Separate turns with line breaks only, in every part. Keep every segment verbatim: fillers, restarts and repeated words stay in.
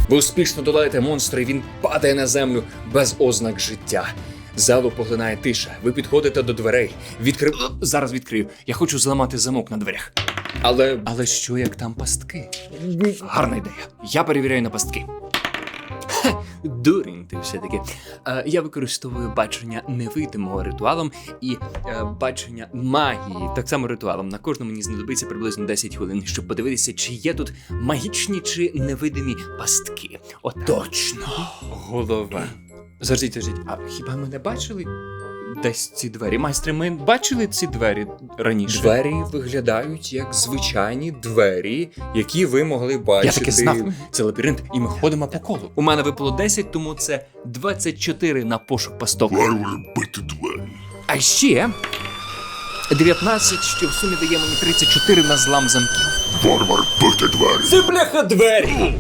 Ви успішно долаєте монстра, і він падає на землю без ознак життя. Залу поглинає тиша. Ви підходите до дверей. Відкрив...
Зараз відкрию. Я хочу зламати замок на дверях.
Але...
Але що, як там пастки? Гарна ідея. Я перевіряю на пастки. Хе, дурень ти все-таки. Е, я використовую бачення невидимого ритуалом і е, бачення магії так само ритуалом. На кожному мені знадобиться приблизно десять хвилин, щоб подивитися, чи є тут магічні чи невидимі пастки. От точно. Голова. Заждіть, заждіть. А хіба ми не бачили десь ці двері? Майстре, ми бачили ці двері раніше?
Двері виглядають як звичайні двері, які ви могли бачити.
Я таки знав. Це лабіринт, і ми ходимо по колу. У мене випало десять, тому це двадцять чотири на пошук пасток.
Варвари бити двері.
А ще дев'ятнадцять, що в сумі дає мені тридцять чотири на злам замків.
Варвар бити двері.
Це бляха двері!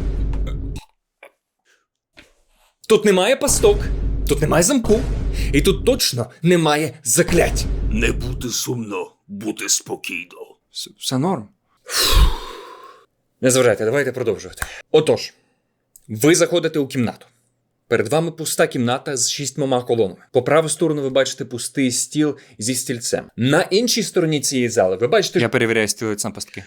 Тут немає пасток, тут немає замку, і тут точно немає заклять.
Не бути сумно, бути спокійно.
Все норм.
Не зважайте, давайте продовжувати. Отож, ви заходите у кімнату. Перед вами пуста кімната з шістьмома колонами. По праву сторону ви бачите пустий стіл зі стільцем. На іншій стороні цієї зали ви бачите...
Я перевіряю стілець на пастки.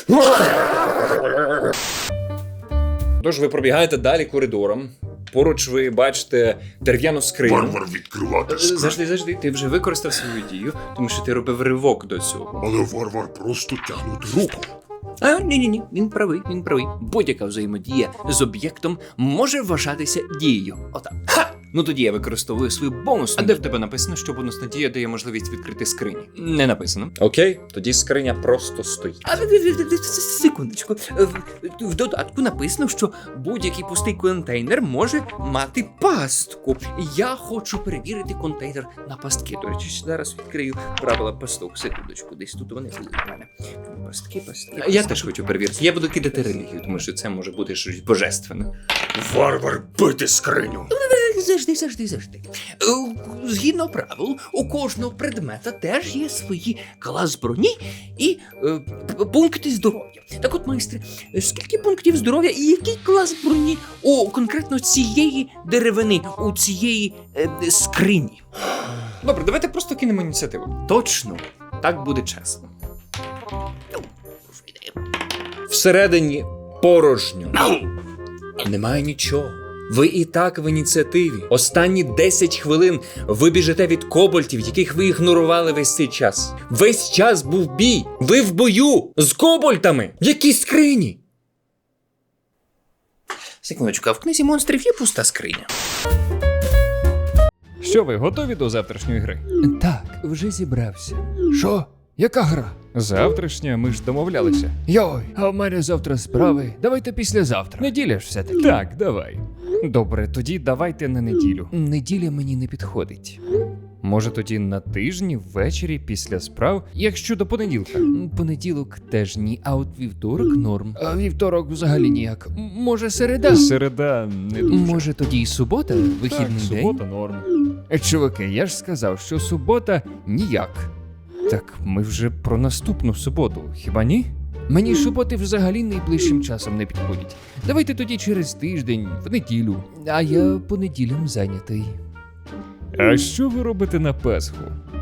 Тож ви пробігаєте далі коридором. Поруч ви бачите дерев'яну скриню.
Варвар відкривати скриню.
Завжди, завжди, ти вже використав свою дію, тому що ти робив ривок до цього.
Але варвар просто тягнути руку.
А, ні-ні-ні, він правий, він правий. Будь-яка взаємодія з об'єктом може вважатися дією. Отак. Ха! Ну тоді я використовую свою бонусну. А де в тебе написано, що бонусна дія дає можливість відкрити скрині? Не написано.
Окей, тоді скриня просто стоїть.
А секундочку. В, в додатку написано, що будь-який пустий контейнер може мати пастку. Я хочу перевірити контейнер на пастки. До речі, зараз відкрию правила пасток. Секундочку, десь тут вони були в мене. Пастки, пастки. Я теж хочу перевірити. Я буду кидати релігію, тому що це може бути щось божественне.
Варвар бити скриню.
Завжди, завжди, завжди. Е, Згідно правил, у кожного предмета теж є свої клас броні і е, п- пункти здоров'я. Так от, майстре, скільки пунктів здоров'я і який клас броні у конкретно цієї деревини, у цієї е, скрині?
Добре, давайте просто кинемо ініціативу.
Точно, так буде чесно.
Всередині порожньо. Немає нічого. Ви і так в ініціативі. Останні десять хвилин ви біжите від кобальтів, яких ви ігнорували весь цей час. Весь час був бій. Ви в бою з кобальтами. В якій скрині?
Секундочку, а в книзі монстрів є пуста скриня?
Що ви, готові до завтрашньої гри?
Так, вже зібрався. Що? Яка гра?
Завтрашня, ми ж домовлялися.
Йой, а в мене завтра справи. Давайте післязавтра. Неділя ж все-таки.
Так, давай. Добре, тоді давайте на неділю.
Неділя мені не підходить.
Може тоді на тижні, ввечері, після справ, якщо до понеділка.
М, Понеділок теж ні, а от вівторок норм. А вівторок взагалі ніяк. М, Може середа?
Середа не дуже.
Може тоді і субота?
Так,
Вихідний день?
субота норм.
Е, Чуваки, я ж сказав, що субота ніяк.
Так, ми вже про наступну суботу, хіба ні?
Мені суботи взагалі найближчим часом не підходять. Давайте тоді через тиждень, в неділю. А я по неділям зайнятий.
А що ви робите на Пасху?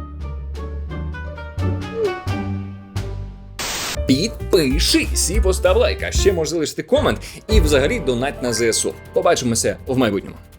Підпишись і постав лайк, а ще можеш залишити комент і взагалі донать на ЗСУ. Побачимося в майбутньому.